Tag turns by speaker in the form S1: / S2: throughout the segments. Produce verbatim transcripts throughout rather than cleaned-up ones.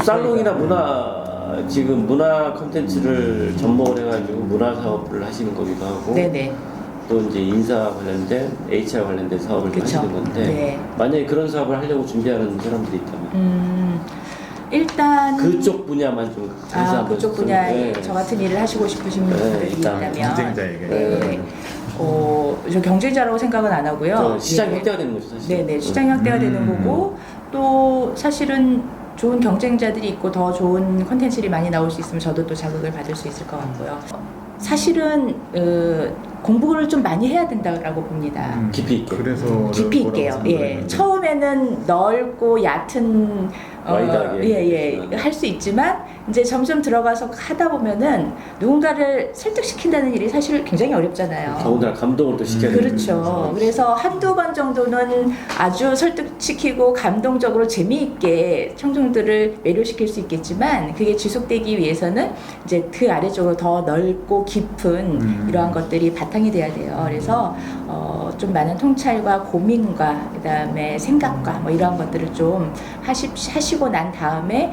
S1: 살롱이나 문화 지금 문화 콘텐츠를 접목을 해가지고 문화 사업을 하시는 거기도 하고
S2: 네네.
S1: 또 이제 인사 관련된 에이치알 관련된 사업을
S2: 그쵸.
S1: 하시는 건데
S2: 네.
S1: 만약에 그런 사업을 하려고 준비하는 사람들이 있다면
S2: 음, 일단
S1: 그쪽 분야만 좀
S2: 아,
S1: 해서
S2: 그쪽
S1: 좀,
S2: 분야에
S1: 네.
S2: 저 같은 일을 하시고 싶으신
S1: 네,
S2: 분들이
S1: 일단
S2: 있다면
S3: 경쟁자에게.
S2: 네. 어, 저 경쟁자라고 생각은 안 하고요.
S1: 저 시장
S2: 예.
S1: 확대가 되는 거죠 사실.
S2: 네네, 시장 확대가
S3: 음.
S2: 되는 거고 또 사실은 좋은 경쟁자들이 있고 더 좋은 컨텐츠들이 많이 나올 수 있으면 저도 또 자극을 받을 수 있을 것 같고요. 사실은 어, 공부를 좀 많이 해야 된다고 봅니다.
S3: 음,
S1: 깊이 있게.
S3: 그래서
S2: 깊이
S3: 뭐라고
S2: 있게요. 예,
S3: 생각했는데.
S2: 처음에는 넓고 얕은
S1: 와이드하게
S2: 예예
S1: 그렇지만.
S2: 할 수 있지만 이제 점점 들어가서 하다 보면은 누군가를 설득시킨다는 일이 사실 굉장히 어렵잖아요.
S1: 더군다나 감동을 또 시켜야 되는
S2: 그렇죠.
S1: 거죠.
S2: 그래서 한두 번 정도는 아주 설득시키고 감동적으로 재미있게 청중들을 매료시킬 수 있겠지만 그게 지속되기 위해서는 이제 그 아래쪽으로 더 넓고 깊은
S3: 음.
S2: 이러한 것들이 바탕이 돼야 돼요. 그래서 어, 좀 많은 통찰과 고민과 그다음에 생각과 뭐 이러한 것들을 좀 하시, 하시고 난 다음에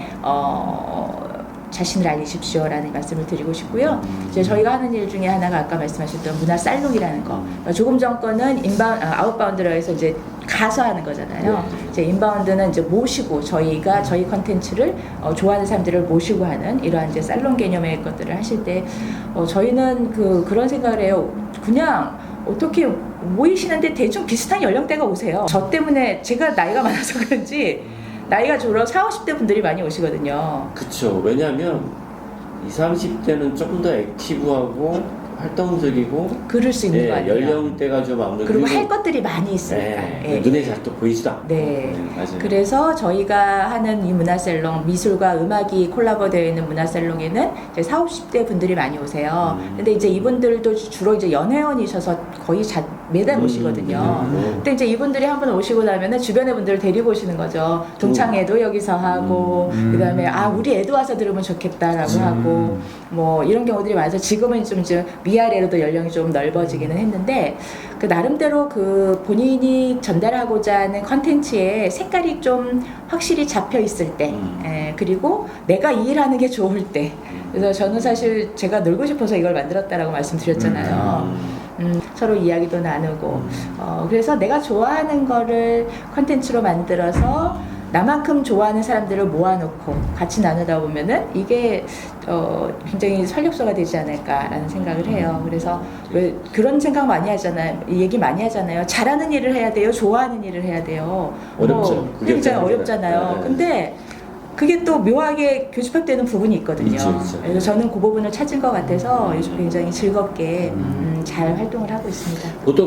S2: 어, 자신을 알리십시오라는 말씀을 드리고 싶고요. 이제 저희가 하는 일 중에 하나가 아까 말씀하셨던 문화 살롱이라는 거. 그러니까 조금 전 거는 인바운, 아, 아웃바운드라고 해서 이제 가서 하는 거잖아요.
S1: 네.
S2: 이제 인바운드는 이제 모시고 저희가 저희 컨텐츠를 어, 좋아하는 사람들을 모시고 하는 이러한 이제 살롱 개념의 것들을 하실 때 어, 저희는 그 그런 생각을 해요. 그냥 어떻게 모이시는데 대충 비슷한 연령대가 오세요. 저 때문에 제가 나이가 많아서 그런지 나이가 졸업 사오십 대 분들이 많이 오시거든요.
S1: 그쵸. 왜냐하면 이십, 삼십 대는 조금 더 액티브하고 활동적이고
S2: 그럴 수 있는
S1: 예,
S2: 거 아니에요.
S1: 연령대가 좀 아무래도
S2: 그리고
S1: 그리고-
S2: 할 것들이 많이 있으니까.
S1: 예,
S2: 예.
S1: 눈에 잘 또 보이지도 않고
S2: 네.
S1: 예, 맞아요.
S2: 그래서 저희가 하는 이 문화살롱, 미술과 음악이 콜라보되어 있는 문화살롱에는 이제 사오십 대 분들이 많이 오세요.
S1: 음.
S2: 근데 이제 이분들도 주로 이제 연회원이셔서 거의 자, 매달
S1: 음,
S2: 오시거든요.
S1: 음.
S2: 근데 이제 이분들이 한 번 오시고 나면은 주변의 분들을 데리고 오시는 거죠. 동창회도 여기서 하고,
S3: 음.
S2: 그 다음에 아, 우리 애도 와서 들으면 좋겠다라고
S3: 음.
S2: 하고, 뭐 이런 경우들이 많아서 지금은 좀 이제 위아래로도 연령이 좀 넓어지기는 했는데, 그 나름대로 그 본인이 전달하고자 하는 컨텐츠의 색깔이 좀 확실히 잡혀 있을 때,
S1: 음.
S2: 예, 그리고 내가 이 일하는 게 좋을 때, 그래서 저는 사실 제가 놀고 싶어서 이걸 만들었다라고 말씀드렸잖아요.
S1: 음.
S2: 음, 서로 이야기도 나누고, 어, 그래서 내가 좋아하는 거를 컨텐츠로 만들어서 나만큼 좋아하는 사람들을 모아놓고 같이 나누다 보면은 이게 어, 굉장히 활력소가 되지 않을까라는 생각을 해요. 그래서 왜 그런 생각 많이 하잖아요. 얘기 많이 하잖아요. 잘하는 일을 해야 돼요. 좋아하는 일을 해야 돼요.
S1: 어렵죠.
S2: 뭐,
S1: 그게
S2: 굉장히
S1: 어렵잖아요.
S2: 어렵잖아요.
S1: 네.
S2: 근데 그게 또 묘하게 교집합되는 부분이 있거든요.
S1: 있죠, 있죠.
S2: 그래서 저는 그 부분을 찾은 것 같아서 요즘 굉장히 즐겁게 음, 잘 활동을 하고 있습니다.
S1: 보통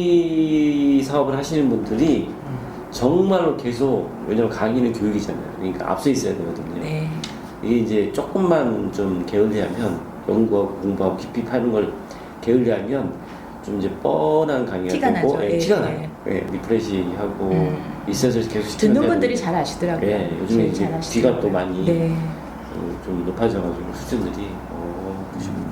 S1: 강의 사업을 하시는 분들이 정말로 계속 왜냐면 강의는 교육이잖아요. 그러니까 앞서 있어야 되거든요.
S2: 네.
S1: 이게 이제 조금만 좀 게을리하면 연구하고 공부하고 깊이 파는 걸 게을리하면 좀 이제 뻔한 강의가
S2: 티가
S1: 되고
S2: 나죠.
S1: 예,
S2: 예,
S1: 티가
S2: 예.
S1: 나요. 예, 리프레시하고
S2: 음.
S1: 있어서 계속 시키면
S2: 듣는 분들이
S1: 되는데
S2: 잘 아시더라고요.
S1: 예, 요즘에
S2: 제일
S1: 이제
S2: 잘 아시더라고요.
S1: 귀가 또 많이
S2: 네.
S1: 어, 좀 높아져가지고 수준들이 어,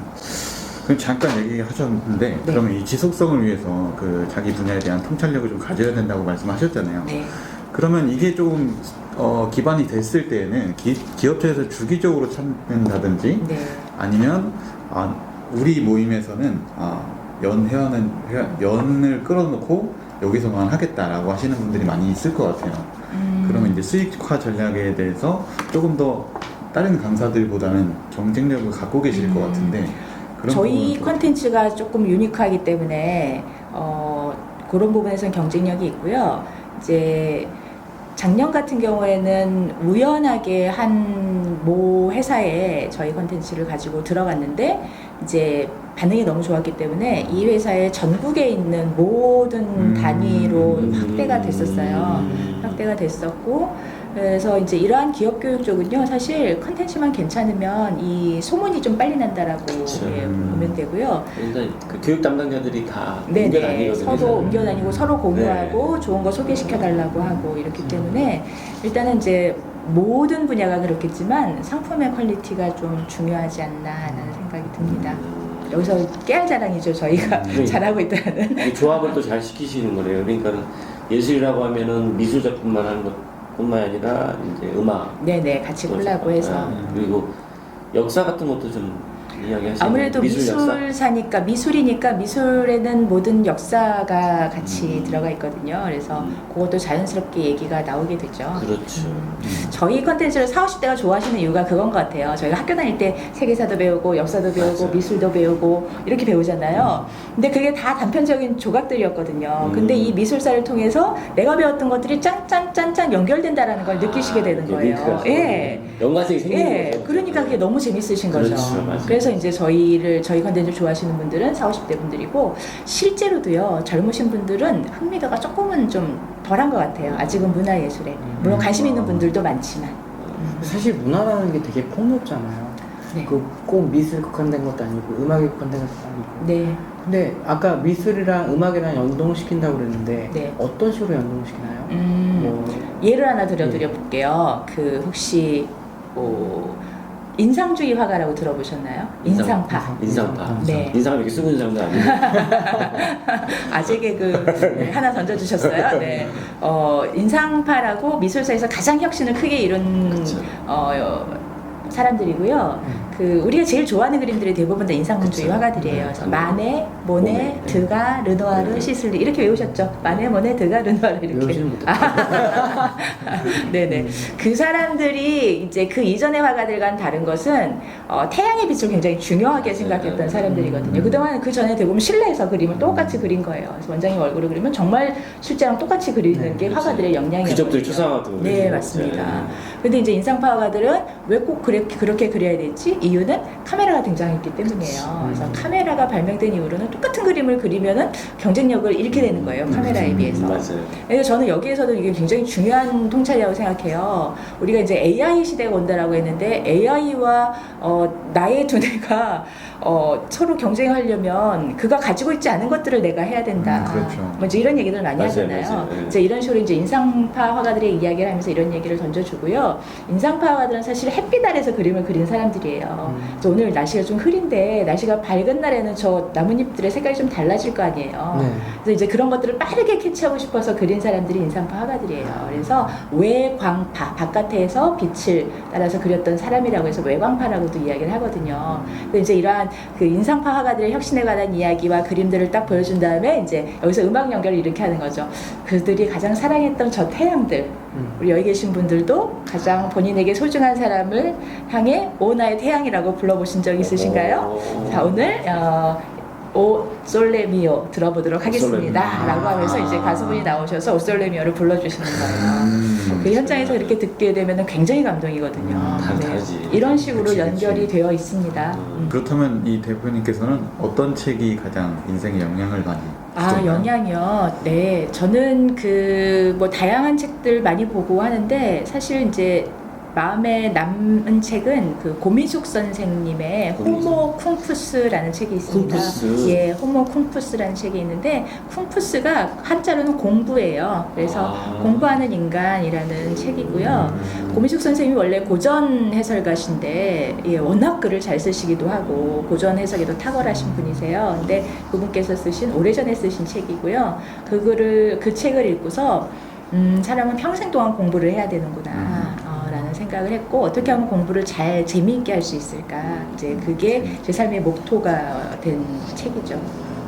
S3: 그럼 잠깐 얘기하셨는데
S2: 네.
S3: 그러면 이 지속성을 위해서 그 자기 분야에 대한 통찰력을 좀 가져야 된다고 말씀하셨잖아요.
S2: 네.
S3: 그러면 이게 조금 어, 기반이 됐을 때에는 기, 기업체에서 주기적으로 찾는다든지
S2: 네.
S3: 아니면 아, 우리 모임에서는 아, 연 회원은 회- 연을 끌어놓고 여기서만 하겠다라고 하시는 분들이 많이 있을 것 같아요.
S2: 음.
S3: 그러면 이제 수익화 전략에 대해서 조금 더 다른 강사들보다는 경쟁력을 갖고 계실
S2: 음.
S3: 것 같은데 그런
S2: 저희
S3: 부분은 좀-
S2: 컨텐츠가 조금 유니크하기 때문에 어, 그런 부분에서는 경쟁력이 있고요. 이제 작년 같은 경우에는 우연하게 한 모 회사에 저희 컨텐츠를 가지고 들어갔는데 이제 반응이 너무 좋았기 때문에 이 회사의 전국에 있는 모든
S3: 음.
S2: 단위로 확대가 됐었어요.
S1: 음.
S2: 확대가 됐었고 그래서 이제 이러한 기업 교육 쪽은요 사실 컨텐츠만 괜찮으면 이 소문이 좀 빨리 난다라고
S1: 그쵸.
S2: 예, 보면 되고요.
S1: 일단 그 교육 담당자들이 다
S2: 네네
S1: 옮겨다니거든요.
S2: 서로 옮겨다니고 서로 공유하고
S1: 네.
S2: 좋은 거 소개시켜 달라고 하고 이렇기 때문에 일단은 이제 모든 분야가 그렇겠지만 상품의 퀄리티가 좀 중요하지 않나라는 생각이 듭니다.
S1: 음.
S2: 여기서 깨알 자랑이죠 저희가
S1: 음.
S2: 잘하고 있다는.
S1: 이 조합을 또 잘 시키시는 거래요. 그러니까는 예술이라고 하면은 미술 작품만 하는 것 뿐만 아니라 이제 음악,
S2: 네네 같이 콜라보해서
S1: 아, 그리고 역사 같은 것도 좀 이야기하시는
S2: 아무래도
S1: 미술 역사?
S2: 미술사니까 미술이니까 미술에는 모든 역사가 같이
S1: 음.
S2: 들어가 있거든요. 그래서
S1: 음.
S2: 그것도 자연스럽게 얘기가 나오게 되죠.
S1: 그렇죠.
S2: 음. 저희 컨텐츠를 사오십 대가 좋아하시는 이유가 그건 것 같아요. 저희가 학교 다닐 때 세계사도 배우고 역사도 배우고
S1: 맞아요.
S2: 미술도 배우고 이렇게 배우잖아요. 근데 그게 다 단편적인 조각들이었거든요.
S1: 음.
S2: 근데 이 미술사를 통해서 내가 배웠던 것들이 짠짠짠짠 연결된다라는 걸 느끼시게 되는
S1: 이게
S2: 거예요.
S1: 링크가
S2: 예.
S1: 연관성이 생기는
S2: 예,
S1: 거죠.
S2: 그러니까 그게 너무 재밌으신 거죠.
S1: 그렇죠, 맞아요.
S2: 그래서 이제 저희를 저희 컨텐츠 좋아하시는 분들은 사오십 대 분들이고 실제로도요 젊으신 분들은 흥미도가 조금은 좀 덜한 것 같아요. 아직은 문화예술에 물론 관심 있는 분들도 많지만. 음.
S4: 사실 문화라는 게 되게 폭넓잖아요.
S2: 네.
S4: 그 꼭 미술 국한된 것도 아니고 음악에 국한된 것도 아니고.
S2: 네.
S4: 근데 아까 미술이랑 음악이랑 연동시킨다고 그랬는데
S2: 네.
S4: 어떤 식으로 연동시키나요?
S2: 음,
S4: 뭐
S2: 예를 하나 들어드려 볼게요. 그 혹시 뭐 인상주의 화가라고 들어보셨나요?
S1: 인상-
S2: 인상파.
S1: 인상파.
S2: 네.
S1: 인상을 이렇게 쓰고 있는 사람도 아니고.
S2: 아재 개그 네, 하나 던져주셨어요. 네. 어, 인상파라고 미술사에서 가장 혁신을 크게 이룬
S1: 그쵸.
S2: 어, 사람들이고요.
S4: 음.
S2: 그 우리가 제일 좋아하는 그림들이 대부분 다 인상주의
S1: 그쵸.
S2: 화가들이에요. 그래서
S1: 음.
S2: 마네, 모네,
S1: 모네.
S2: 드가, 르누아르,
S1: 네.
S2: 시슬리 이렇게 외우셨죠? 마네, 모네, 드가, 르누아르 이렇게.
S4: 외우지는 못했어요.
S2: 네네.
S4: 음.
S2: 그 사람들이 이제 그 이전의 화가들과는 다른 것은 어, 태양의 빛을 굉장히 중요하게 생각했던 사람들이거든요. 그동안 그 전에 대부분 실내에서 그림을 똑같이 그린 거예요. 그래서 원장님 얼굴을 그리면 정말 실제랑 똑같이 그리는
S4: 네,
S2: 게
S1: 그렇지.
S2: 화가들의 영향이었거든요.
S1: 귀접들 추상화도
S2: 네,
S1: 그러죠.
S2: 맞습니다. 근데 이제 인상파 화가들은 왜 꼭 그렇게, 그렇게 그려야 됐지? 이유는 카메라가 등장했기 때문이에요.
S4: 음.
S2: 그래서 카메라가 발명된 이후로는 똑같은 그림을 그리면은 경쟁력을 잃게 되는 거예요. 카메라에
S1: 음,
S2: 비해서.
S1: 맞아요.
S2: 그래서 저는 여기에서도 이게 굉장히 중요한 통찰이라고 생각해요. 우리가 이제 에이아이 시대가 온다라고 했는데 에이아이와 어, 나의 두뇌가 어, 서로 경쟁하려면 그가 가지고 있지 않은 것들을 내가 해야 된다.
S3: 음, 그렇죠.
S2: 뭐 이제 이런 얘기들 많이
S1: 맞아요,
S2: 하잖아요.
S1: 맞아요. 네.
S2: 이제 이런 식으로 이제 인상파 화가들의 이야기를 하면서 이런 얘기를 던져주고요. 인상파 화가들은 사실 햇빛 아래서 그림을 그린 사람들이에요.
S4: 음.
S2: 그래서 오늘 날씨가 좀 흐린데 날씨가 밝은 날에는 저 나뭇잎들의 색깔이 좀 달라질 거 아니에요.
S4: 네.
S2: 그래서 이제 그런 것들을 빠르게 캐치하고 싶어서 그린 사람들이 인상파 화가들이에요. 그래서 외광파, 바깥에서 빛을 따라서 그렸던 사람이라고 해서 외광파라고도 이야기를 하거든요. 근데 이제 이러한 그 인상파 화가들의 혁신에 관한 이야기와 그림들을 딱 보여준 다음에 이제 여기서 음악 연결을 이렇게 하는 거죠. 그들이 가장 사랑했던 저 태양들,
S4: 음.
S2: 우리 여기 계신 분들도 가장 본인에게 소중한 사람을 향해 오 나의 태양이라고 불러보신 적 있으신가요?
S1: 오.
S2: 자, 오늘 어, 오 솔레미오 들어보도록 하겠습니다.
S1: 솔레미오.
S2: 라고 하면서 이제 가수분이 나오셔서 오 솔레미오를 불러주시는 거예요.
S3: 음.
S2: 그 현장에서 이렇게 듣게 되면 굉장히 감동이거든요.
S3: 음,
S1: 다 다르지.
S2: 이런 식으로
S3: 그치,
S2: 연결이
S3: 그치.
S2: 되어 있습니다.
S1: 음.
S2: 음.
S3: 그렇다면 이 대표님께서는 어떤 책이 가장 인생에 영향을 많이
S2: 아,
S3: 주셨나요?
S2: 영향이요? 네. 저는 그 뭐 다양한 책들 많이 보고 하는데 사실 이제 마음에 남은 책은 그 고민숙 선생님의
S1: 고민숙.
S2: 호모 쿵푸스라는 책이 있습니다.
S1: 쿵푸스.
S2: 예, 호모 쿵푸스라는 책이 있는데 쿵푸스가 한자로는 공부예요. 그래서
S1: 아.
S2: 공부하는 인간이라는 책이고요. 고민숙 선생님이 원래 고전 해설가신데 예, 워낙 글을 잘 쓰시기도 하고 고전 해석에도 탁월하신 분이세요. 근데 그분께서 쓰신 오래전에 쓰신 책이고요. 그 글을 그 책을 읽고서 음, 사람은 평생 동안 공부를 해야 되는구나. 어, 라는 생각을 했고 어떻게 하면 공부를 잘 재미있게 할 수 있을까. 이제 그게 제 삶의 목표가 된 책이죠.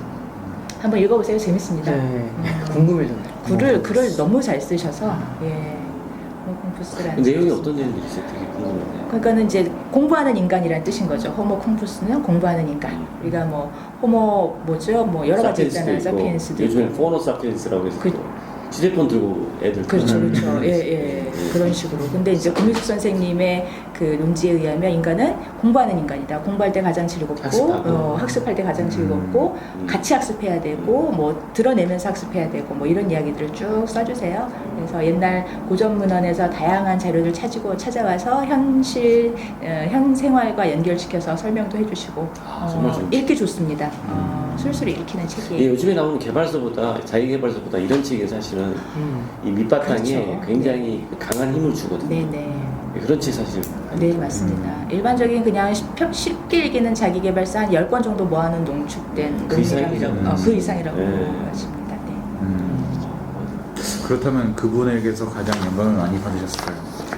S2: 한번 읽어보세요. 재밌습니다.
S4: 네.
S2: 음.
S4: 궁금해졌네.
S2: 글을 글을 너무 잘 쓰셔서 예. 호모쿵푸스라는
S1: 내용이 어떤 내용들이 있어요? 되게 궁금해요.
S2: 그러니까는 이제 공부하는 인간이라는 뜻인 거죠. 호모쿵푸스는 공부하는 인간. 우리가 뭐 호모 뭐죠? 뭐 여러 가지 있잖아요. 사피엔스도
S1: 요즘에
S2: 있고.
S1: 포너 사피엔스라고 해서
S2: 그-
S1: 또 휴대폰 들고 애들
S2: 그렇죠,
S1: 그러는
S2: 그렇죠. 예, 예. 그런 식으로. 근데 이제 고민숙 선생님의 그 논지에 의하면 인간은 공부하는 인간이다. 공부할 때 가장 즐겁고,
S1: 학습하고.
S2: 어, 학습할 때 가장 즐겁고,
S1: 음.
S2: 같이 학습해야 되고, 뭐 드러내면서 학습해야 되고, 뭐 이런 이야기들을 쭉 써주세요. 그래서 옛날 고전 문헌에서 다양한 자료를 찾고 찾아와서 현실, 어, 현 생활과 연결시켜서 설명도 해주시고,
S1: 아, 정말
S2: 어,
S1: 좋은
S2: 읽기 좋습니다. 어, 술술 읽히는
S1: 예,
S2: 책이에요.
S1: 요즘에 나오는 개발서보다 자기개발서보다 이런 책이 사실은
S4: 음.
S1: 이 밑바탕에
S2: 그렇죠.
S1: 굉장히 강한 힘을 주거든요.
S2: 네네.
S1: 예, 그런 책 사실 많이
S2: 네,
S1: 있죠.
S2: 맞습니다. 일반적인 그냥 쉽- 쉽게 읽기는 자기계발서 한 열 권 정도 모아놓은 농축된
S1: 그 이상이죠.
S2: 논리라고, 어, 그 이상이라고
S1: 네.
S2: 하십니다. 네.
S3: 음. 그렇다면 그분에게서 가장 영감을 많이 받으셨을까요?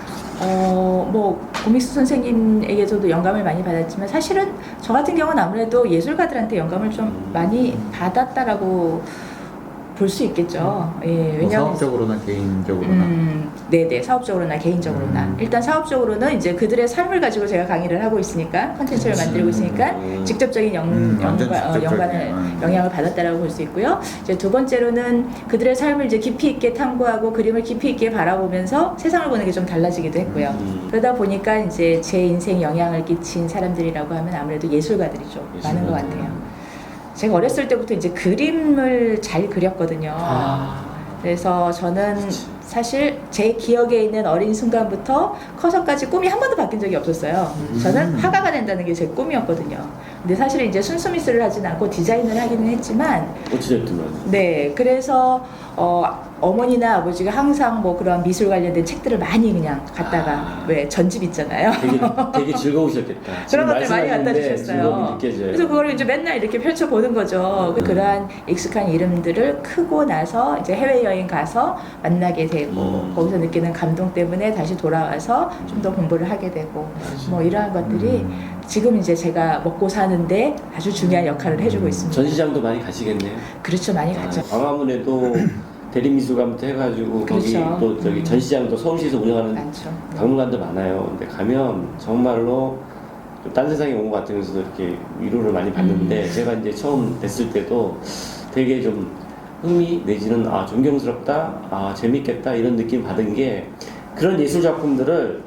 S2: 어, 뭐 고믹스 선생님에게서도 영감을 많이 받았지만 사실은 저 같은 경우는 아무래도 예술가들한테 영감을 좀 많이 받았다라고 볼 수 있겠죠. 예,
S3: 뭐
S2: 왜냐하면
S3: 사업적으로나 개인적으로나.
S2: 음, 네네 사업적으로나 개인적으로나
S3: 음.
S2: 일단 사업적으로는 이제 그들의 삶을 가지고 제가 강의를 하고 있으니까 컨텐츠를 만들고 있으니까
S1: 음.
S2: 직접적인 영,
S3: 음, 완전
S2: 영과, 어,
S3: 직접적인,
S2: 연관을
S3: 음.
S2: 영향을 받았다라고 볼 수 있고요. 이제 두 번째로는 그들의 삶을 이제 깊이 있게 탐구하고 그림을 깊이 있게 바라보면서 세상을 보는 게 좀 달라지기도 했고요.
S1: 음.
S2: 그러다 보니까 이제 제 인생 영향을 끼친 사람들이라고 하면 아무래도 예술가들이 좀 많은 것
S1: 예술가들.
S2: 같아요. 제가 어렸을 때부터 이제 그림을 잘 그렸거든요.
S4: 아.
S2: 그래서 저는 사실 제 기억에 있는 어린 순간부터 커서까지 꿈이 한 번도 바뀐 적이 없었어요. 저는
S3: 음.
S2: 화가가 된다는 게 제 꿈이었거든요. 근데 사실 이제 순수 미술을 하진 않고 디자인을 하기는 했지만,
S1: 어찌됐든
S2: 네, 그래서 어, 어머니나 아버지가 항상 뭐 그런 미술 관련된 책들을 많이 그냥 갖다가
S1: 아.
S2: 왜 전집 있잖아요.
S1: 되게 되게 즐거우셨겠다. 지금
S2: 그런 것들 많이 갖다
S1: 말씀하시는데
S2: 주셨어요.
S1: 즐거움이 느껴져요.
S2: 그래서 그걸 이제 맨날 이렇게 펼쳐보는 거죠.
S1: 음.
S2: 그러한 익숙한 이름들을 크고 나서 이제 해외여행 가서 만나게 되고
S1: 음.
S2: 거기서 느끼는 감동 때문에 다시 돌아와서 좀 더 공부를 하게 되고 뭐 이러한 것들이
S3: 음.
S2: 지금 이제 제가 먹고 사는데 아주 중요한 역할을 해주고 있습니다.
S1: 전시장도 많이 가시겠네요.
S2: 그렇죠. 많이 갔죠.
S1: 아, 광화문에도 대리미술관부터 해가지고 거기
S2: 그렇죠.
S1: 또 저기
S2: 음.
S1: 전시장도 서울시에서 운영하는
S2: 많죠.
S1: 박물관도 많아요. 근데 가면 정말로 좀 딴 세상에 온 것 같으면서도 이렇게 위로를 많이 받는데
S2: 음.
S1: 제가 이제 처음 뵀을 때도 되게 좀 흥미 내지는 아 존경스럽다, 아 재밌겠다 이런 느낌 받은 게 그런 예술 작품들을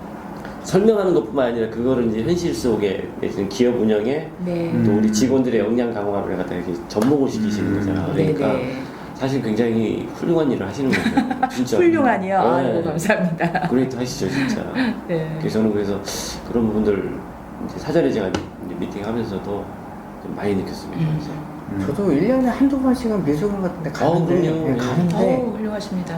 S1: 설명하는 것뿐만 아니라 그거를 이제 현실 속에 내지는 기업 운영에
S2: 네.
S3: 음.
S1: 또 우리 직원들의 역량 강화를 갖다 이렇게 접목을 시키시는 거잖아요.
S2: 네,
S1: 그러니까
S2: 네.
S1: 사실 굉장히 훌륭한 일을 하시는 거죠. 진짜.
S2: 훌륭하니요.
S1: 네.
S2: 아이고 감사합니다.
S1: 그레이트 하시죠, 진짜.
S2: 네.
S1: 그래서 저는 그래서 그런 부분들 이제 사전에 제가 이제 미팅하면서도 좀 많이 느꼈습니다.
S2: 음.
S1: 그래서.
S3: 음.
S4: 저도 일 년에 한두 번씩은 미술관 같은 데 가는데,
S1: 어, 그럼요.
S4: 네, 가는데
S2: 어우, 훌륭하십니다.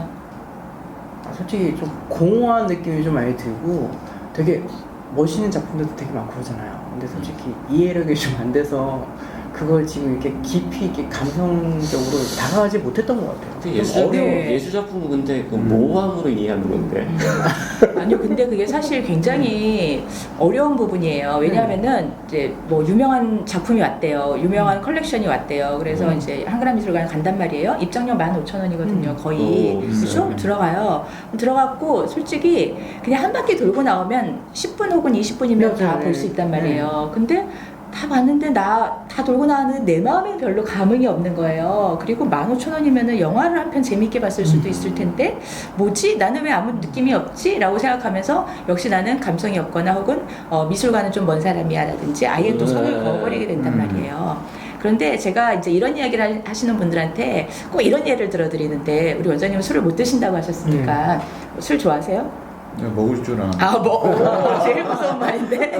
S4: 아, 솔직히 좀 공허한 느낌이 좀 많이 들고 되게 멋있는 작품들도 되게 많고 그러잖아요. 근데 솔직히 이해력이 좀 안 돼서 그걸 지금 이렇게 깊이 있게 감성적으로 다가가지 못했던 것 같아요.
S1: 근데
S4: 좀
S1: 예술,
S4: 어려워.
S2: 네.
S1: 예술 작품은 근데 그
S3: 음.
S1: 모함으로 이해하는 건데.
S2: 아니요, 근데 그게 사실 굉장히 어려운 부분이에요. 왜냐하면은 이제 뭐 유명한 작품이 왔대요. 유명한 컬렉션이 왔대요. 그래서
S1: 음.
S2: 이제 한글화미술관 간단 말이에요. 입장료 만 오천 원이거든요.
S4: 음.
S2: 거의.
S1: 오,
S2: 그렇죠?
S3: 비싸요.
S2: 들어가요. 들어갔고 솔직히 그냥 한 바퀴 돌고 나오면 십 분 혹은 이십 분이면 다
S4: 맞아요.
S2: 볼 수 있단 말이에요. 근데 다 봤는데 나 다 돌고 나왔는데 내 마음에 별로 감흥이 없는 거예요. 그리고 만 오천 원이면은 영화를 한 편 재밌게 봤을 수도 있을 텐데 뭐지? 나는 왜 아무 느낌이 없지? 라고 생각하면서 역시 나는 감성이 없거나 혹은 어, 미술관은 좀 먼 사람이야 라든지 아예 또 손을
S1: 음.
S2: 그어버리게 된단
S3: 음.
S2: 말이에요. 그런데 제가 이제 이런 이야기를 하시는 분들한테 꼭 이런 예를 들어드리는데 우리 원장님은 술을 못 드신다고 하셨으니까 술 좋아하세요?
S3: 먹을 줄 아는.
S2: 아, 뭐, 오, 제일 무서운 말인데.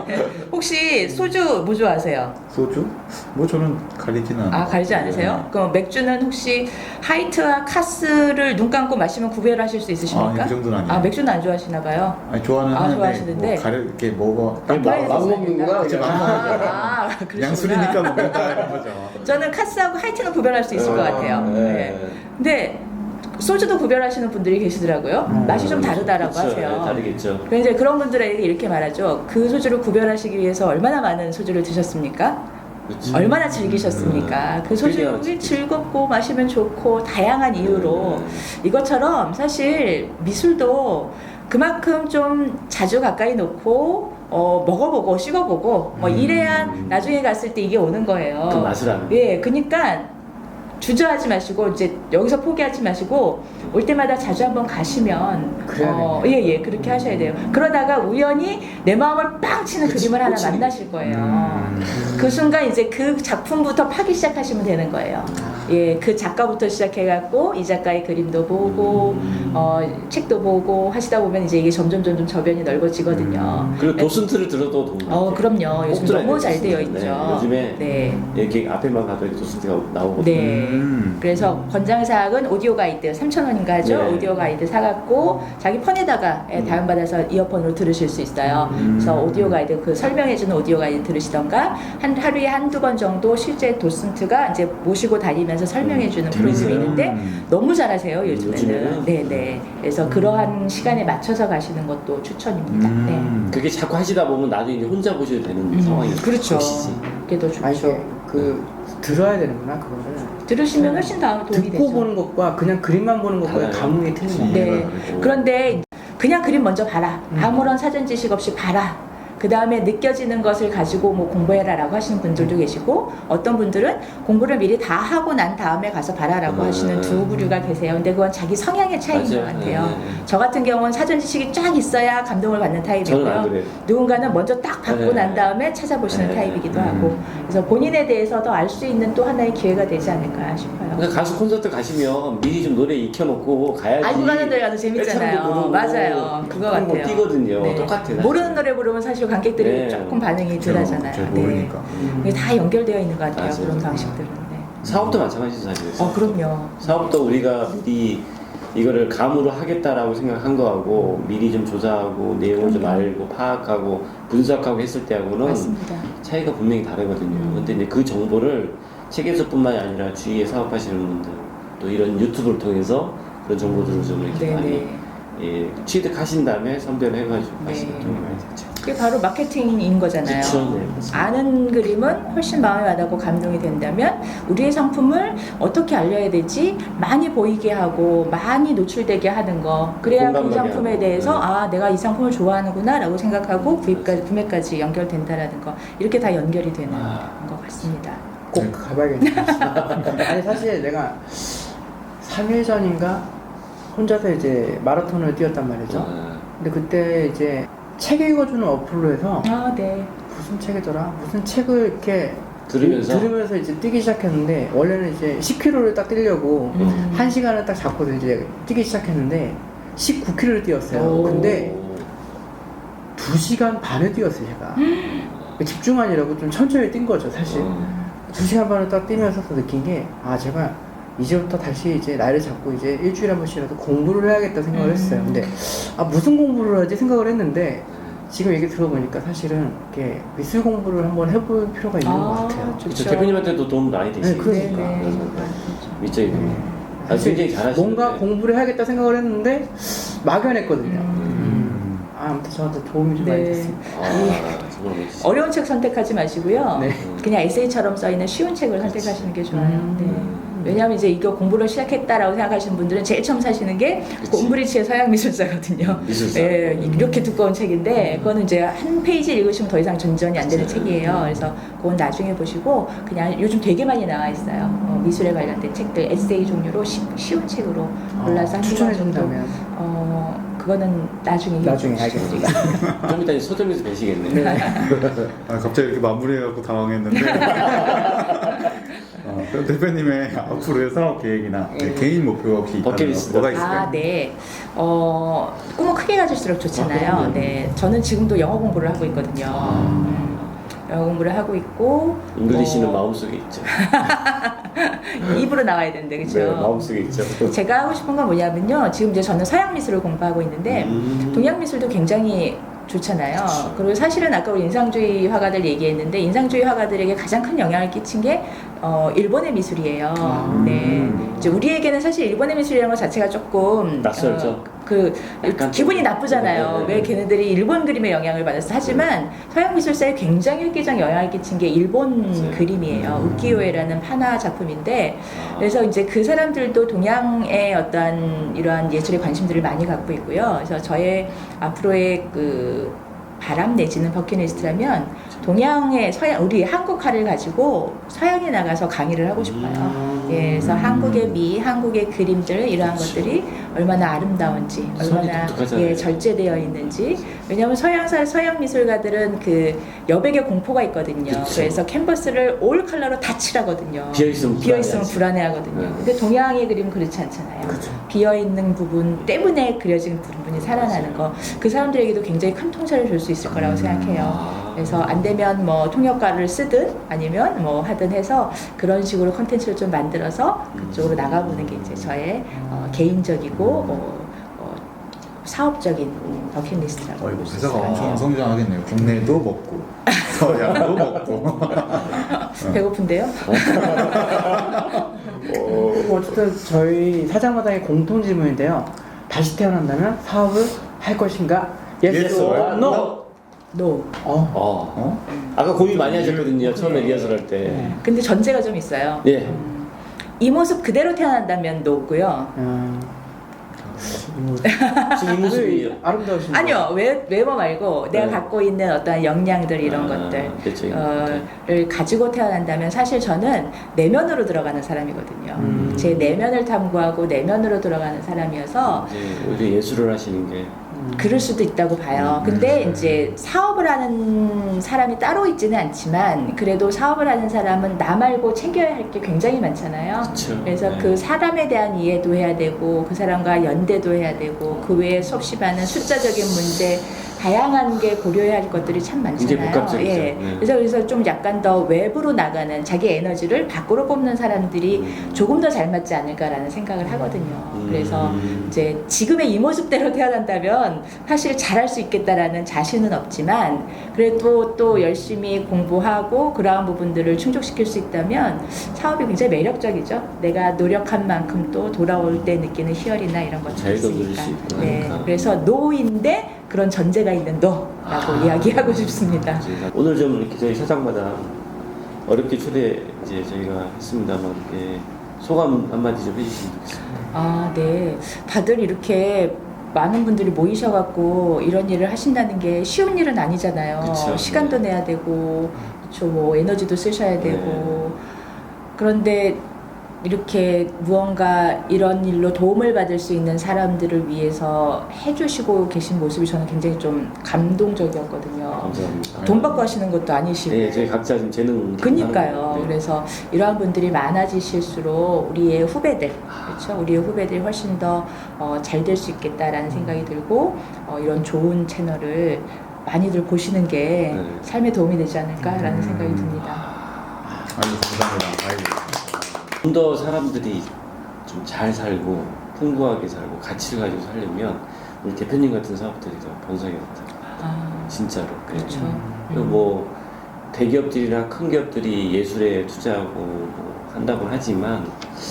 S2: 혹시 소주 뭐 좋아하세요?
S3: 소주? 뭐 저는 가리지는 않아요.
S2: 아, 가리지 않으세요? 그럼 맥주는 혹시 하이트와 카스를 눈 감고 마시면 구별하실 수 있으십니까?
S3: 아니, 그 정도는 아니에요.
S2: 아, 맥주는 안 좋아하시나 봐요.
S3: 아니 좋아는
S2: 아,
S3: 하는데
S2: 좋아하시는데.
S3: 뭐 가려 이렇게 먹어.
S1: 아니, 막, 막
S2: 아,
S1: 먹는구나.
S3: 그치,
S1: 그냥.
S3: 막
S2: 아, 그러시구나.
S3: 양술이니까 먹는다 이런 거죠.
S2: 저는 카스하고 하이트는 구별할 수 있을 것 같아요. 네. 근데 소주도 구별하시는 분들이 계시더라고요.
S4: 음.
S2: 맛이 좀 다르다라고
S1: 그쵸,
S2: 하세요.
S1: 네, 다르겠죠.
S2: 그래서 이제 그런 분들에게 이렇게 말하죠. 그 소주를 구별하시기 위해서 얼마나 많은 소주를 드셨습니까?
S1: 그치.
S2: 얼마나 즐기셨습니까? 그 소주가
S1: 즐겨야지.
S2: 즐겁고 마시면 좋고 다양한 이유로
S1: 음.
S2: 이것처럼 사실 미술도 그만큼 좀 자주 가까이 놓고 어, 먹어보고 씹어보고 뭐
S3: 음.
S2: 이래야 나중에 갔을 때 이게 오는 거예요.
S1: 그 맛을 아는.
S2: 예, 그러니까 주저하지 마시고 이제 여기서 포기하지 마시고 올 때마다 자주 한번 가시면
S4: 그래야
S2: 예, 예, 그렇게 하셔야 돼요. 그러다가 우연히 내 마음을 빵 치는
S1: 그치,
S2: 그림을 하나
S1: 꽂히는
S2: 만나실 거예요.
S3: 음.
S2: 그 순간 이제 그 작품부터 파기 시작하시면 되는 거예요. 예, 그 작가부터 시작해갖고 이 작가의 그림도 보고
S1: 음.
S2: 어, 책도 보고 하시다 보면 이제 이게 점점 점점 저변이 넓어지거든요.
S3: 음.
S1: 그리고 도슨트를 들어도 도움.
S2: 어, 그럼요. 요즘
S1: 들어야
S2: 너무
S1: 돼요,
S2: 잘 되어
S1: 도슨트.
S2: 있죠.
S1: 네, 요즘에
S2: 네.
S1: 여기 앞에만 가도 이렇게 도슨트가 나오거든요.
S2: 네.
S3: 음.
S2: 그래서 권장사항은 오디오 가이드 삼천 원인가 하죠?
S1: 네.
S2: 오디오 가이드 사갖고 자기 폰에다가 예,
S1: 음.
S2: 다운받아서 이어폰으로 들으실 수 있어요.
S3: 음.
S2: 그래서 오디오 가이드 그 설명해주는 오디오 가이드 들으시던가 한 하루에 한두 번 정도 실제 도슨트가 이제 모시고 다니면서 만나서 설명해주는
S1: 음,
S2: 프로그램이
S1: 재밌어요.
S2: 있는데
S3: 음.
S2: 너무 잘하세요 요즘에는.
S1: 요즘에는?
S2: 네네. 그래서 그러한 시간에 맞춰서 가시는 것도 추천입니다.
S3: 음.
S1: 그게 자꾸 하시다 보면 나중에 이제 혼자 보셔도 되는
S2: 네.
S1: 상황이
S2: 음, 그렇죠.
S1: 것이지.
S2: 그게 더 좋죠.
S4: 아 이게 그 들어야 되는구나 그거를.
S2: 들으시면 훨씬 더 도움이
S4: 듣고
S2: 되죠.
S4: 보는 것과 그냥 그림만 보는 것과의
S1: 달라요.
S4: 감흥이 틀린 거예요.
S2: 네.
S3: 그렇죠.
S2: 그런데 그냥 그림 먼저 봐라.
S4: 음.
S2: 아무런 사전 지식 없이 봐라. 그 다음에 느껴지는 것을 가지고 뭐 공부해라라고 하시는 분들도 계시고 어떤 분들은 공부를 미리 다 하고 난 다음에 가서 봐라라고
S1: 음.
S2: 하시는 두 부류가 계세요. 근데 그건 자기 성향의 차이인 것
S1: 맞아요.
S2: 같아요.
S1: 네, 네.
S2: 저 같은 경우는 사전 지식이 쫙 있어야 감동을 받는
S1: 저는 안
S2: 타입이고요.
S1: 그래요.
S2: 누군가는 먼저 딱 받고
S1: 네.
S2: 난 다음에 찾아보시는
S1: 네.
S2: 타입이기도
S3: 음.
S2: 하고 그래서 본인에 대해서 더 알 수 있는 또 하나의 기회가 되지 않을까 싶어요.
S1: 그러니까 가수 콘서트 가시면 미리 좀 노래 익혀놓고 가야지.
S2: 알고 가는 노래 가서
S1: 떼창도
S2: 재밌잖아요.
S1: 부르고
S2: 맞아요. 그거
S1: 그런 거
S2: 같아요.
S1: 뛰거든요.
S2: 네.
S1: 똑같아요.
S2: 모르는 노래 부르면 사실 관객들이
S1: 네.
S2: 조금 반응이
S3: 잘
S2: 덜하잖아요.
S3: 모르니까.
S2: 네. 이게 다 연결되어 있는 것 같아요.
S1: 맞아요.
S2: 그런 방식들은. 네.
S1: 사업도 마찬가지죠 사실.
S2: 어, 그럼요.
S1: 사업도 우리가 미리 이거를 감으로 하겠다라고 생각한 거하고 미리 좀 조사하고 내용을 좀
S2: 그럼요.
S1: 알고 파악하고 분석하고 했을 때하고는
S2: 맞습니다.
S1: 차이가 분명히 다르거든요.
S2: 음.
S1: 근데 이제 그 정보를 책에서뿐만이 아니라 주위에 사업하시는 분들 또 이런 유튜브를 통해서 그런 정보들을 좀 이렇게 많이
S2: 네네.
S1: 예, 취득하신 다음에 선별을 해가지고
S2: 네.
S1: 하시는 도움이 많이 되죠.
S2: 그게 바로 마케팅인 거잖아요.
S1: 그쵸, 네, 맞습니다.
S2: 아는 그림은 훨씬 마음에 와닿고 감동이 된다면 우리의 상품을 어떻게 알려야 되지 많이 보이게 하고 많이 노출되게 하는 거 그래야 그
S1: 공감하게
S2: 상품에
S1: 하고.
S2: 대해서
S1: 네.
S2: 아 내가 이 상품을 좋아하는구나 라고 생각하고 구입까지, 구매까지 연결된다라는 거 이렇게 다 연결이 되는
S1: 아.
S2: 것 같습니다.
S4: 꼭 가봐야겠네. 아니 사실 내가 삼 일 전인가 혼자서 이제 마라톤을 뛰었단 말이죠.
S1: 아,
S4: 근데 그때 이제 책 읽어주는 어플로 해서
S2: 아 네.
S4: 무슨 책이더라? 무슨 책을 이렇게
S1: 들으면서
S4: 들으면서 이제 뛰기 시작했는데 원래는 이제 십 킬로미터를 딱 뛰려고
S2: 음.
S4: 한 시간을 딱 잡고 이제 뛰기 시작했는데 십구 킬로미터를 뛰었어요.
S2: 오.
S4: 근데 두 시간 반을 뛰었어요, 제가. 집중하느라고 좀 천천히 뛴 거죠, 사실.
S1: 어.
S4: 두 시간 반을 딱 뛰면서 또 느낀 게, 아, 제가 이제부터 다시 이제 나이를 잡고 이제 일주일에 한 번씩이라도 공부를 해야겠다 생각을
S2: 음.
S4: 했어요. 근데, 아, 무슨 공부를 하지 생각을 했는데, 지금 얘기 들어보니까 사실은 이렇게 미술 공부를 한번 해볼 필요가 있는 것 같아요.
S2: 좋죠.
S1: 그쵸, 대표님한테도 도움 많이 되시죠.
S4: 네, 그러니까.
S2: 네네.
S1: 밑적이
S4: 네.
S1: 아,
S4: 사실
S1: 굉장히 잘하시는데
S4: 뭔가 공부를 해야겠다 생각을 했는데, 막연했거든요.
S2: 음.
S4: 아, 아무튼 저한테 도움이 좀 많이
S2: 네.
S4: 됐습니다.
S1: 아, 정말 멋지시죠.
S2: 어려운 책 선택하지 마시고요.
S4: 네.
S2: 그냥 에세이처럼 써 있는 쉬운 책을 선택하시는 게 좋아요.
S4: 음.
S2: 네. 왜냐하면 이제 이거 공부를 시작했다라고 생각하시는 분들은 제일 처음 사시는 게
S1: 그치.
S2: 곰브리치의 서양 미술사거든요.
S1: 미술사.
S2: 예, 이렇게 두꺼운 책인데 그거는 이제 한 페이지 읽으시면 더 이상 전전이 안 되는
S1: 그치.
S2: 책이에요. 그래서 그건 나중에 보시고 그냥 요즘 되게 많이 나와 있어요. 어, 미술에 관련된 책들 에세이 종류로 쉬, 쉬운 책으로 골라서
S4: 아,
S2: 한
S4: 추천해
S2: 시간 정도.
S4: 준다면
S2: 어, 그거는 나중에
S4: 나중에
S2: 얘기해 주시죠.
S4: 알겠습니다.
S1: 좀 이따 서점에서 뵈시겠네요.
S3: 아, 갑자기 이렇게 마무리해갖고 당황했는데. 어, 그럼 대표님의 앞으로의 사업 계획이나
S4: 네.
S3: 개인 목표가 혹시 있다면
S1: 버킷리스트.
S3: 뭐가 있을까요?
S2: 아, 네. 어, 꿈은 크게 가질수록 좋잖아요.
S1: 아, 그럼요.
S2: 네. 저는 지금도 영어 공부를 하고 있거든요. 음, 영어 공부를 하고 있고.
S1: 잉글리시는
S2: 뭐,
S1: 마음속에 있죠.
S2: 입으로 나와야 되는데, 그죠?
S1: 네, 마음속에 있죠.
S2: 제가 하고 싶은 건 뭐냐면요. 지금 이제 저는 서양 미술을 공부하고 있는데,
S1: 음.
S2: 동양 미술도 굉장히 좋잖아요.
S1: 그쵸.
S2: 그리고 사실은 아까 우리 인상주의 화가들 얘기했는데 인상주의 화가들에게 가장 큰 영향을 끼친 게 어, 일본의 미술이에요.
S4: 아.
S2: 네, 이제 우리에게는 사실 일본의 미술이라는 것 자체가 조금
S1: 낯설죠.
S2: 어, 그
S1: 약간
S2: 기분이
S1: 좀-
S2: 나쁘잖아요.
S1: 네, 네, 네.
S2: 왜 걔네들이 일본 그림에 영향을 받았어? 하지만 서양 미술사에 굉장히 획기적 영향을 끼친 게 일본
S1: 맞아요.
S2: 그림이에요.
S1: 음.
S2: 우키요에라는 판화 작품인데
S1: 아.
S2: 그래서 이제 그 사람들도 동양의 어떤 이러한 예술에 관심들을 많이 갖고 있고요. 그래서 저의 앞으로의 그 바람 내지는 버킷리스트라면 동양의 서양 우리 한국화를 가지고 서양에 나가서 강의를 하고 싶어요.
S1: 음.
S2: 예, 그래서 한국의 미, 한국의 그림들 이러한
S1: 그치.
S2: 것들이 얼마나 아름다운지,
S1: 선이
S2: 얼마나
S1: 독특하잖아요.
S2: 예, 절제되어 있는지. 왜냐하면 서양사 서양 미술가들은 그 여백의 공포가 있거든요.
S1: 그치.
S2: 그래서 캔버스를 올 컬러로 다 칠하거든요.
S1: 비어 있으면
S2: 비어 있으면
S1: 불안해하지.
S2: 불안해하거든요.
S1: 네.
S2: 근데 동양의 그림은 그렇지 않잖아요.
S4: 그쵸.
S2: 비어 있는 부분 때문에 그려진 부분이 살아나는 거, 그 사람들에게도 굉장히 큰 통찰을 줄 수 있을 거라고 생각해요.
S1: 아.
S2: 그래서 안 되면 뭐 통역가를 쓰든 아니면 뭐 하든 해서 그런 식으로 컨텐츠를 좀 만들어서 그쪽으로 나가보는 게 이제 저의 어, 개인적이고 어, 어, 사업적인 버킷리스트라고
S3: 어이구,
S2: 볼 수 있을
S3: 회사가
S2: 것
S3: 엄청
S2: 같아요.
S3: 성장하겠네요. 국내도 먹고 서양도 먹고.
S2: 배고픈데요?
S4: 뭐 어쨌든 저희 사장마당의 공통 질문인데요. 다시 태어난다면 사업을 할 것인가? Yes,
S3: Yes
S4: or
S3: or
S4: no?
S3: no?
S2: 노.
S4: 어.
S1: 어.
S3: 어?
S1: 아까 고민 많이 하셨거든요. 처음에
S2: 네.
S1: 리허설 할 때.
S4: 네.
S2: 근데 전제가 좀 있어요.
S1: 예.
S2: 음, 이 모습 그대로 태어난다면 노고요.
S4: 음.
S1: 지금 이 모습이
S4: 아름다우신
S2: 아니요, 외, 외모 말고 내가
S1: 네.
S2: 갖고 있는 어떤 역량들 이런
S1: 아,
S2: 것들
S1: 내적인
S2: 어,를 가지고 태어난다면 사실 저는 내면으로 들어가는 사람이거든요.
S4: 음.
S2: 제 내면을 탐구하고 내면으로 들어가는 사람이어서
S1: 이제 오히려 예술을 하시는 게
S2: 그럴 수도 있다고 봐요.
S3: 음,
S2: 근데
S3: 음.
S2: 이제 사업을 하는 사람이 따로 있지는 않지만 그래도 사업을 하는 사람은 나 말고 챙겨야 할 게 굉장히 많잖아요.
S1: 그쵸.
S2: 그래서
S1: 네.
S2: 그 사람에 대한 이해도 해야 되고 그 사람과 연대도 해야 되고 그 외에 수없이 많은 숫자적인 문제 다양한 게 고려해야 할 것들이 참 많잖아요.
S1: 굉장히 복합적이죠.
S2: 예.
S1: 네.
S2: 그래서 그래서 좀 약간 더 외부로 나가는 자기 에너지를 밖으로 뽑는 사람들이
S1: 음.
S2: 조금 더 잘 맞지 않을까라는 생각을 하거든요.
S1: 음.
S2: 그래서 이제 지금의 이 모습대로 태어난다면 사실 잘할 수 있겠다라는 자신은 없지만 그래도 또 열심히 공부하고 그러한 부분들을 충족시킬 수 있다면 사업이 굉장히 매력적이죠. 내가 노력한 만큼 또 돌아올 때 느끼는 희열이나 이런 것들이
S1: 자유도 누릴
S2: 있으니까.
S1: 수 있고
S2: 네,
S1: 하니까.
S2: 그래서 노인데 그런 전제가 있는 노라고
S1: 아.
S2: 이야기하고 싶습니다.
S1: 이제 오늘 좀 이렇게 저희 사장마다 어렵게 초대 이제 저희가 했습니다만 예, 소감 한마디 좀 해주시면 좋겠습니다.
S2: 아, 네. 다들 이렇게 많은 분들이 모이셔갖고 이런 일을 하신다는 게 쉬운 일은 아니잖아요.
S1: 그쵸,
S2: 시간도
S1: 네.
S2: 내야 되고, 그쵸, 뭐 에너지도 쓰셔야 되고. 그런데 이렇게 무언가 이런 일로 도움을 받을 수 있는 사람들을 위해서 해주시고 계신 모습이 저는 굉장히 좀 감동적이었거든요.
S1: 감사합니다.
S2: 돈 받고 하시는 것도 아니시고.
S1: 네, 저희 각자 좀 재능.
S2: 그니까요.
S1: 네.
S2: 그래서 이러한 분들이 많아지실수록 우리의 후배들, 그렇죠? 우리의 후배들이 훨씬 더 잘 될 수 있겠다라는 생각이 들고 어, 이런 좋은 채널을 많이들 보시는 게
S1: 네.
S2: 삶에 도움이 되지 않을까라는
S3: 음.
S2: 생각이 듭니다.
S3: 아이고 감사합니다. 아이고.
S1: 좀 더 사람들이 좀 잘 살고 풍부하게 살고 가치를 가지고 살려면 우리 대표님 같은 사업들이 더 번성해 같아요.
S2: 아,
S1: 진짜로. 네.
S2: 그렇죠.
S1: 그리고 뭐 대기업들이나 큰 기업들이 예술에 투자하고 뭐 한다고 하지만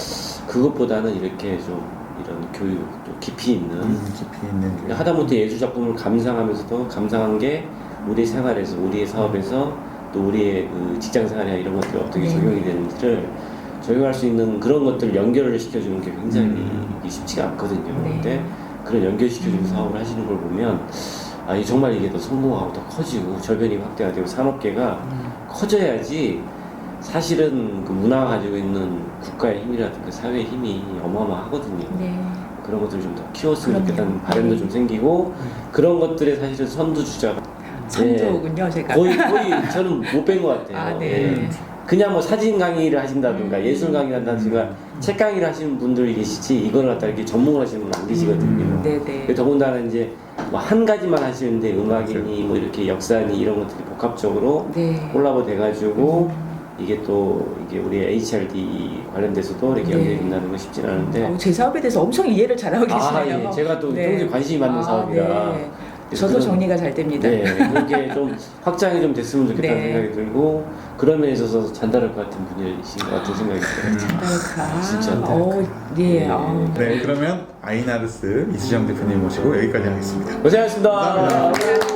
S1: 그것보다는 이렇게 좀 이런 교육 또 깊이 있는
S3: 음, 깊이 있는 게.
S1: 하다못해 예술 작품을 감상하면서도 감상한 게 우리 생활에서 우리의 사업에서 또 우리의 그 직장 생활이나 이런 것들이 어떻게
S2: 네.
S1: 적용이 되는지를 적용할 수 있는 그런 것들을 연결을 시켜주는 게 굉장히
S3: 음.
S1: 이게 쉽지가 않거든요.
S2: 네.
S1: 근데 그런 연결시켜주는
S2: 음.
S1: 사업을 하시는 걸 보면 아, 이 정말 이게 더 성공하고 더 커지고 저변이 확대가 되고 산업계가
S4: 음.
S1: 커져야지 사실은 그 문화가 가지고 있는 국가의 힘이라든가 사회의 힘이 어마어마하거든요.
S2: 네.
S1: 그런 것들을 좀 더 키웠으면
S2: 그럼요.
S1: 좋겠다는 바람도
S2: 네.
S1: 좀 생기고 그런 것들에 사실은 선두주자가
S2: 선조군요, 제가.
S1: 거의 거의 저는 못 뵌 것 같아요.
S2: 아, 네.
S1: 예. 그냥 뭐 사진 강의를 하신다든가
S2: 음.
S1: 예술 강의를 한다든가 책 강의를 하시는 분들이 계시지 이걸 갖다 이렇게 전문을 하시는 분은 안 계시거든요.
S2: 음, 네네.
S1: 더군다나 이제 뭐 한 가지만 하시는데 음악이니 뭐 이렇게 역사니 이런 것들이 복합적으로
S2: 네.
S1: 콜라보 돼가지고
S2: 음.
S1: 이게 또 이게 우리 에이치알디 관련돼서도 이렇게
S2: 네.
S1: 연결이 된다는 거 쉽진 않은데
S2: 어, 제 사업에 대해서 엄청 이해를 잘하고
S1: 아,
S2: 계시네요.
S1: 예. 제가 또
S2: 네.
S1: 평소에 관심이 많은
S2: 아,
S1: 사업이라
S2: 네.
S1: 그래서
S2: 저도
S1: 그런-
S2: 정리가 잘 됩니다.
S1: 네, 그렇게 좀 확장이 좀 됐으면 좋겠다는
S2: 네.
S1: 생각이 들고 그런 면에 있어서 잔다를 것 같은 분이신 것 같은 생각이 들어요.
S2: 잔달카.
S1: 진짜.
S2: 어, 예.
S1: 네.
S2: 어.
S3: 네, 그러면 아이나르스 이수정 대표님 모시고 여기까지 하겠습니다.
S1: 고생하셨습니다.
S3: 감사합니다.